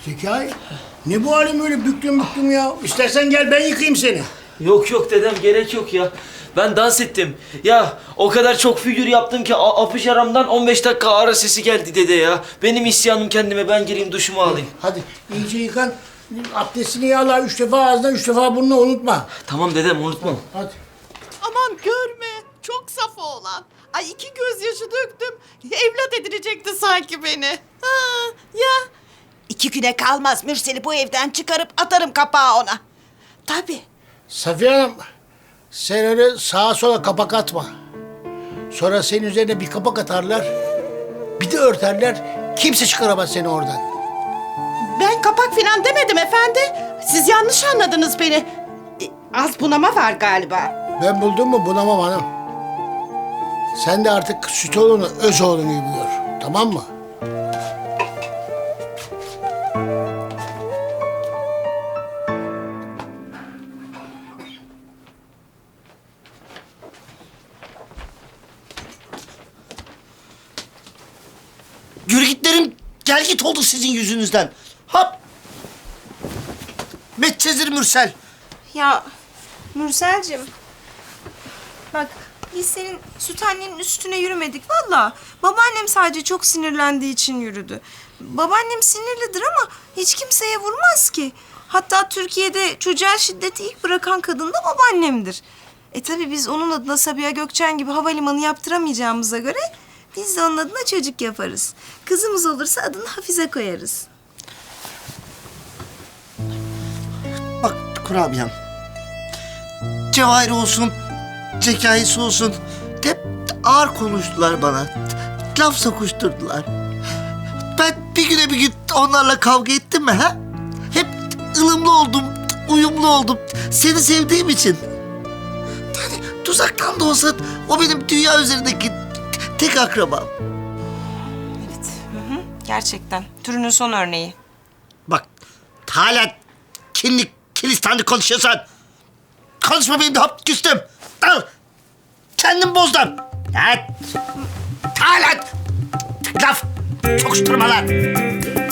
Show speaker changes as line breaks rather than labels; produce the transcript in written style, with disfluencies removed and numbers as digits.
Zekai, ne bu halin böyle büklüm büklüm ya? İstersen gel ben yıkayayım seni.
Yok yok dedem, gerek yok ya. Ben dans ettim. Ya o kadar çok figür yaptım ki apış aramdan 15 dakika ara sesi geldi dede ya. Benim isyanım kendime, ben gireyim duşumu alayım.
Hadi iyice yıkan. Abdestini yağla 3 defa ağzına 3 defa burnuna unutma.
Tamam dedem, unutmam.
Hadi.
Aman görme. Çok saf oğlan. Ay 2 gözyaşı döktüm. Evlat edinecekti sanki beni. Ha, ya. 2 güne kalmaz Mürsel'i bu evden çıkarıp atarım kapağı ona. Tabii.
Safiye Hanım, sen öyle sağa sola kapak atma. Sonra senin üzerine bir kapak atarlar, bir de örterler. Kimse çıkaramaz seni oradan.
Ben kapak falan demedim efendi. Siz yanlış anladınız beni. Az bunama var galiba.
Ben buldum mu bunamam hanım. Sen de artık süt oğlunu öz oğlun gibi gör. Tamam mı?
Yürügitlerim gel git oldu sizin yüzünüzden. Hop! Medcezir Mürsel.
Ya Mürselcim. Bak biz senin süt annenin üstüne yürümedik valla. Babaannem sadece çok sinirlendiği için yürüdü. Babaannem sinirlidir ama hiç kimseye vurmaz ki. Hatta Türkiye'de çocuğa şiddeti ilk bırakan kadın da babaannemdir. Tabii biz onun adına Sabiha Gökçen gibi havalimanı yaptıramayacağımıza göre biz de onun adına çocuk yaparız. Kızımız olursa adını Hafize koyarız.
Bak kurabiyem. Cevahir olsun, Zekai'si olsun. Hep ağır konuştular bana. Laf sokuşturdular. Ben bir güne bir gün onlarla kavga ettim mi ha? Hep ılımlı oldum, uyumlu oldum. Seni sevdiğim için. Yani tuzaktan da olsa o benim dünya üzerindeki tek akrabam.
Evet. Gerçekten. Türünün son örneği.
Bak hala kinli kilistanlı konuşuyorsun. Konuşma benim de hap küstüm. Al. Kendim bozdum. Evet. Hala laf sokuşturma lan.